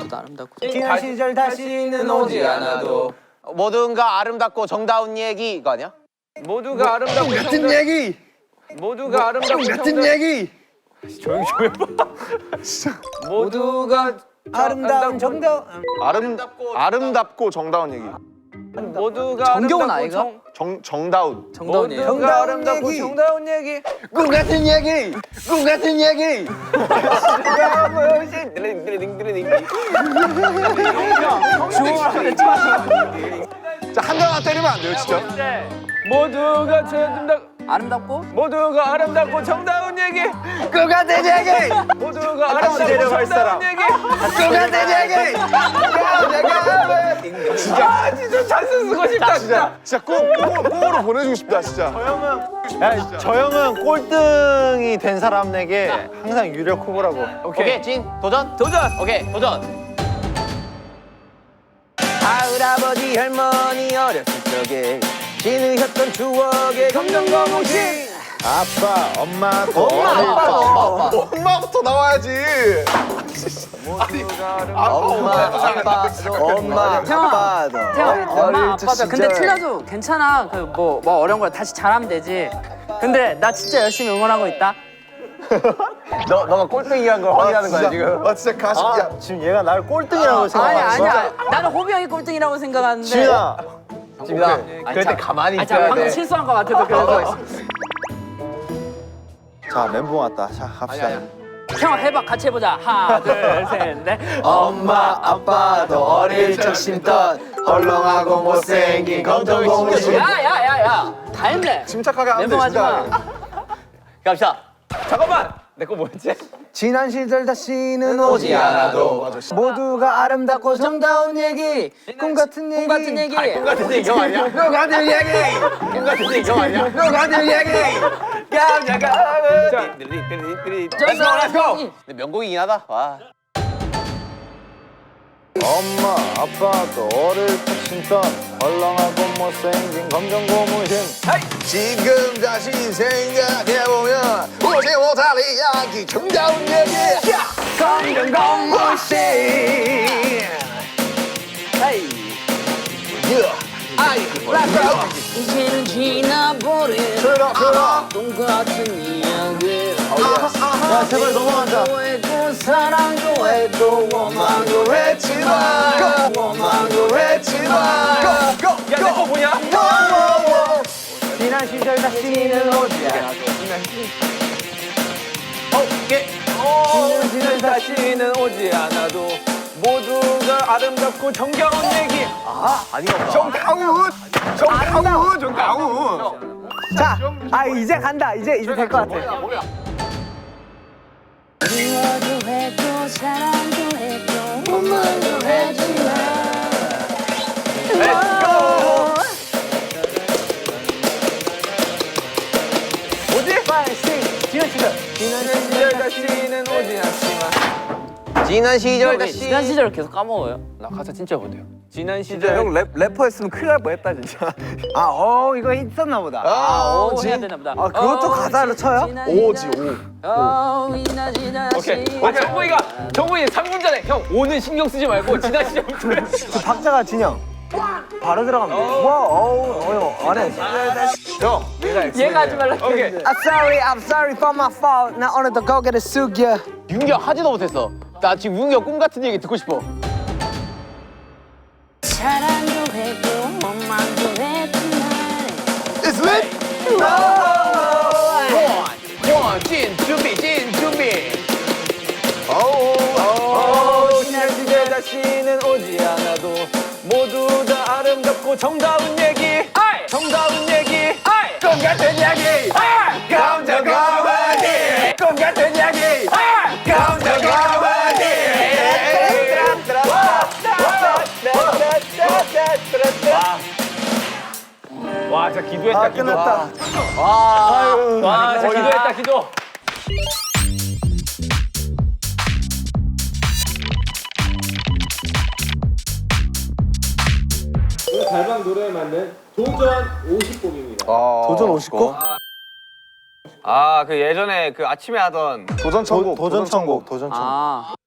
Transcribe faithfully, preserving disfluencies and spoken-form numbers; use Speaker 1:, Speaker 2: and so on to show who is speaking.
Speaker 1: 모두 아름답고
Speaker 2: 지난 시절 다시는 오지 않아도
Speaker 3: 모두가 아름답고 정다운 얘기 이거 아니야?
Speaker 2: 모두가 아름답고
Speaker 4: 같은
Speaker 2: 정다운
Speaker 4: 얘기.
Speaker 2: 모두가 아름답고
Speaker 4: 같은
Speaker 2: 정다운
Speaker 4: 얘기.
Speaker 2: 조용히 좀 해봐. 모두가
Speaker 5: 아름다운 정다운
Speaker 4: 아름답고 아름답고 정다운 얘기.
Speaker 2: 모두가
Speaker 1: 정겨운
Speaker 2: 아름답고
Speaker 1: 아이가?
Speaker 2: 정-
Speaker 4: 정 정다운.
Speaker 1: 정다운이에요.
Speaker 2: 모두가 아름답고 정다운 얘기.
Speaker 4: 꿈 같은 얘기. 꿈 같은 얘기. 자, 한 대만 때리면 안 돼요, 진짜.
Speaker 2: 모두가 아름답
Speaker 1: 아름답고
Speaker 2: 모두가 아름답고 정다운 얘기.
Speaker 4: 꿈 같은 얘기.
Speaker 2: 모두가 아름답고 정다운 얘기.
Speaker 4: 꿈 같은 얘기.
Speaker 2: 아 진짜 찬스 쓰고 싶다 진짜.
Speaker 4: 진짜 꼭 꼭, 꼭으로 보내주고 싶다, 진짜.
Speaker 6: 야, 저 형은 꼴등이 된 사람에게 항상 유력 후보라고.
Speaker 3: 오케이, 진 도전?
Speaker 2: 도전.
Speaker 3: 오케이, 도전.
Speaker 2: 할아버지 할머니 어렸을 적에 진으셨던 추억의 검정거무신.
Speaker 6: 아빠, 엄마, 또
Speaker 1: 엄마 아빠 엄마 아빠
Speaker 4: 엄마부터 나와야지.
Speaker 3: 엄마, 아빠도
Speaker 6: 엄마,
Speaker 1: 태영아,
Speaker 6: 아빠도.
Speaker 1: 태영 엄마 아빠도
Speaker 6: 시절.
Speaker 1: 근데 틀려도 괜찮아. 그 뭐 뭐 어려운 걸 다시 잘하면 되지. 근데 나 진짜 열심히 응원하고 있다.
Speaker 3: 너 너가 꼴등이란 걸 확인하는 거야 지금.
Speaker 4: 아, 진짜 가슴. 야,
Speaker 6: 지금 얘가 나를 꼴등이라고
Speaker 1: 아니
Speaker 6: 생각하는
Speaker 1: 아니야. 나는 호비 형이 꼴등이라고 생각하는데.
Speaker 6: 지민아,
Speaker 3: 지민아,
Speaker 1: 아니,
Speaker 3: 그럴 때
Speaker 1: 참-
Speaker 3: 가만히
Speaker 1: 아니, 참
Speaker 3: 있어야
Speaker 1: 방금
Speaker 3: 돼.
Speaker 1: 실수한 것 같아서 그래서.
Speaker 6: 자, 멘붕 왔다. 자, 갑시다.
Speaker 1: 형 해봐 같이 해보자. 하나 둘 셋 넷.
Speaker 6: 엄마, 아빠도 어릴 적 심던 헐렁하고 못생긴 검정고무신.
Speaker 1: 야야야야 다 했네.
Speaker 4: 침착하게 하면 돼,
Speaker 1: 멘붕하지 마.
Speaker 4: 침착하게.
Speaker 3: 갑시다.
Speaker 2: 잠깐만. 내 거 뭐였지?
Speaker 5: 지난 시절 다시는
Speaker 3: 오지 않아도.
Speaker 4: 맞아.
Speaker 5: 모두가 아름답고 정다운 얘기 꿈 같은 얘기
Speaker 1: 꿈 같은 얘기.
Speaker 3: 꿈 같은 얘기 형 아니야?
Speaker 4: 꿈 같은 얘기.
Speaker 3: 꿈 같은 얘기 형 아니야?
Speaker 4: 꿈 같은 얘기.
Speaker 2: 깜짝아.
Speaker 1: Let's go, let's go.
Speaker 3: 근데 명곡이긴 하다. 와.
Speaker 6: 엄마, 아빠도 어릴 적 심던 헐렁하고 못생긴 검정고무신.
Speaker 4: 지금 다시 생각해보면 오지 못할 이야기 정다운 얘기.
Speaker 5: 검정고무신
Speaker 1: 이제는 지나버린
Speaker 4: 들어 들어.
Speaker 1: 똑같은 이야기.
Speaker 6: 야, 제발 넘어간다.
Speaker 1: 또 했고 사랑도 했고 원망도
Speaker 4: 했지만 원망도 했지만
Speaker 2: 야, 내 거 뭐냐?
Speaker 5: 지난 시절 다시는 오지 않아도
Speaker 2: 어, 지는 다시는 오지 않아도 모두가 아름답고 정겨운 얘기.
Speaker 4: 정다운 정다운 정다운.
Speaker 5: 자, 아 이제 간다. 이제 이제 될 것 같아.
Speaker 7: 미워도 했고 사랑도 했고 원망도 했지만
Speaker 2: 뭐지?
Speaker 5: 빨리 지난 시절
Speaker 2: 지난 시절 다시는 오지 않지만
Speaker 3: 지난 시절
Speaker 1: 왜
Speaker 3: 다시.
Speaker 1: 지난 시절을 계속 까먹어요?
Speaker 2: 나 가사 진짜 못해요. 지난 시절
Speaker 5: 형 랩, 래퍼였으면 큰일 날 뻔했다 진짜. 아, 어 이거 있었나 보다.
Speaker 4: 아,
Speaker 1: 오
Speaker 4: 지.
Speaker 1: 해야 되나 보다.
Speaker 5: 아, 그것도 가사로 쳐요?
Speaker 4: 오지 오.
Speaker 1: 오 이나 지나
Speaker 2: 오케이. 아, 정국이가 정국이 삼 분 전에 형 오는 신경 쓰지 말고 지난 시절부터 해.
Speaker 5: 그 박자가 진영. 바로 들어가면 돼. 와, 어우, 어우, 안 해.
Speaker 4: 형.
Speaker 1: 얘가 하지 말라.
Speaker 2: 오케이.
Speaker 5: I'm sorry, I'm sorry for my fault. 나 오늘도 고개를 숙여.
Speaker 3: 윤기 형 하지도 못했어. 나 지금 윤기 형 꿈 같은 얘기 듣고 싶어.
Speaker 7: 사랑도 했고 원망도 했지만
Speaker 4: It's lit.
Speaker 3: 원, 진 준비, 진 준비.
Speaker 2: 어, 지난 시절 다시는 오지 않아도 모두 다 아름답고 정다운 얘기. 정다운 얘기. 꿈 같은 얘기. 감정 가만히. 꿈 같은 얘기. 감정 가만히. 와, 진짜 기도했다.
Speaker 5: 아,
Speaker 2: 기도.
Speaker 5: 끝났다.
Speaker 3: 와.
Speaker 2: 와, 진짜 기도했다. 기도.
Speaker 8: 달방 노래에 맞는 도전 오십 곡입니다.
Speaker 6: 도전 오십 곡?
Speaker 2: 아, 그 예전에 그 아침에 하던
Speaker 4: 도전 천국.
Speaker 6: 도전 천국, 도전 천국.
Speaker 1: 아